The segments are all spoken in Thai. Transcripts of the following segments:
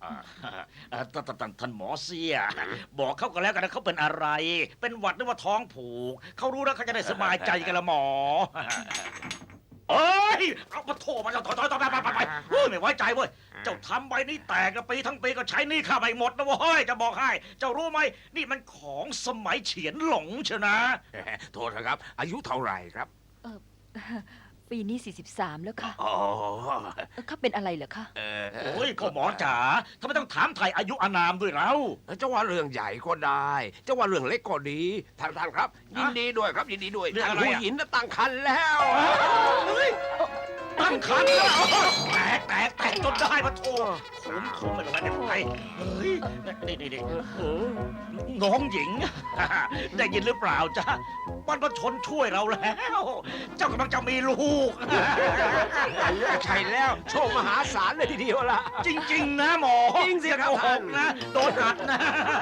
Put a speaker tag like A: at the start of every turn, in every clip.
A: ท่านหมอเสียบอกเขาก็แล้วกันนะเขาเป็นอะไร เป็นหวัดหรือว่าท้องผูกเขารู้แล้วเขาจะได้สบายใจกันละหมอเอ้ยเอามาโทรมาแล้วถอยไปไม่ไว้ใจเว้ยเจ้าทำใบนี้แตกกันปีทั้งปีก็ใช้หนี่ข้าไม่หมดนะเว้ยจะบอกให้เจ้ารู้ไหมนี่มันของสมัยเฉียนหลงเชยวนะ
B: โทษนะครับ อายุเท่าไหร่ครับ
C: เออปีนี้43แล้วค่ะ
B: อ๋อ
C: เขาเป็นอะไรเหรอคะ
A: โอ้ยก็หมอจ๋าทำไมต้องถามไทยอายุอานามด้วยเรา
B: จะว่าเรื่องใหญ่ก็ได้จะว่าเรื่องเล็กก็ดีท่านครับ ยินดีด้วยครับยินดีด้วย
A: เรื่อง
B: ท่าน
A: อะไร
B: ผู้
A: อะ
B: หญิงน่ะตั้งครรภ์แล้ว
A: ตั้งคันแล้วแตกจนได้มาโทรคุ้มไม่เป็นไรไม่เป็นไรเฮ้ยนี่น้องหญิง ได้ยินหรือเปล่าจ๊ะบรรพชนช่วยเราแล้ว เจ้ากำลังจะมีลูก
B: ใช่แล้วโชคมหาศาลเลยทีเดียวล่ะ
A: จริง ๆ นะหมอ
B: จริงสิครับ
A: อย่าโกหกนะ โดนอัดนะ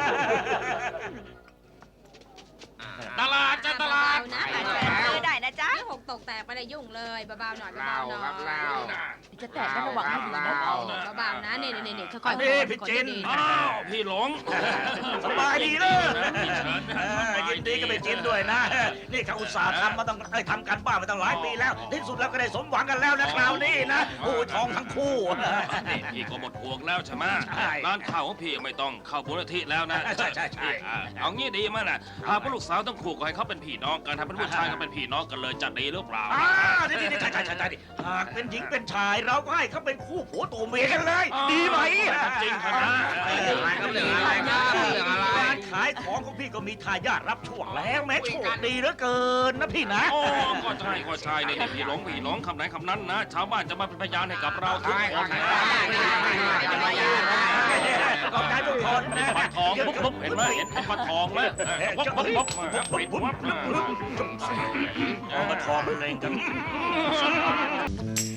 D: ตลาดตลาด
E: นะ
C: ซื้อได้นะจ๊ะ
E: หกตกแตกไปเลยยุ่งเลยเบาๆหน่อย
B: เล่า
E: เบาๆหน่อย
B: ครับเล่า
C: จะแตกต้องระวังให้ดีนะ
E: เบาๆนะนี่ค่อยๆ
A: นี่พี่จิน
D: อ้าวพี่หลง
A: สบายดีเลย
D: พี่เฉิน
A: ยินดีกับไปจินด้วยนะ นี่เขาอุตส่าห์ทำมาต้องทำกันบ้านมาตั้งหลายปีแล้ว ที่สุดแล้วก็ได้สมหวังกันแล้วนะคราวนี้นะโอ้ยทองทั้งคู่
D: นี่พี่ก็หมดห่วงแล้วใช่ไหม
A: ใช่
D: ร้านข้าวของพี่ไม่ต้องเข้ามูลนิธิแล้วนะ
A: ใช่
D: เอางี้ดีมั้ยน่ะพาพวกลูกสาวต้องขู่ก็ให้เขาเป็นพี่น้องกันถ้าเป็นผู้ชายก็เป็นพี่น้องกันเลยจะดีหรือเปล่า
A: นี่ใช่หากเป็นหญิงเป็นชายเราก็ให้เขาเป็นคู่ผัวตัวเมียกันเลย ดีไหม
D: จริงครับนะ
A: การขายของของพี่ก็มีทายาทรับช่วงแล้วแม้โชคดีเหลือเกินนะพี่นะ
D: โอ้ก็ใช่นี่พี่หลงคำไหนคำนั้นนะ ชาวบ้านจะมาเป็นพยานให้กับเราทุกคน
A: ขอบใจทุกคนนะ
D: ปัดทองปุ๊บเห็นไหมเห็นปัดทองไหมปุ๊บปิดวับ
A: เอามาทองเล่นกัน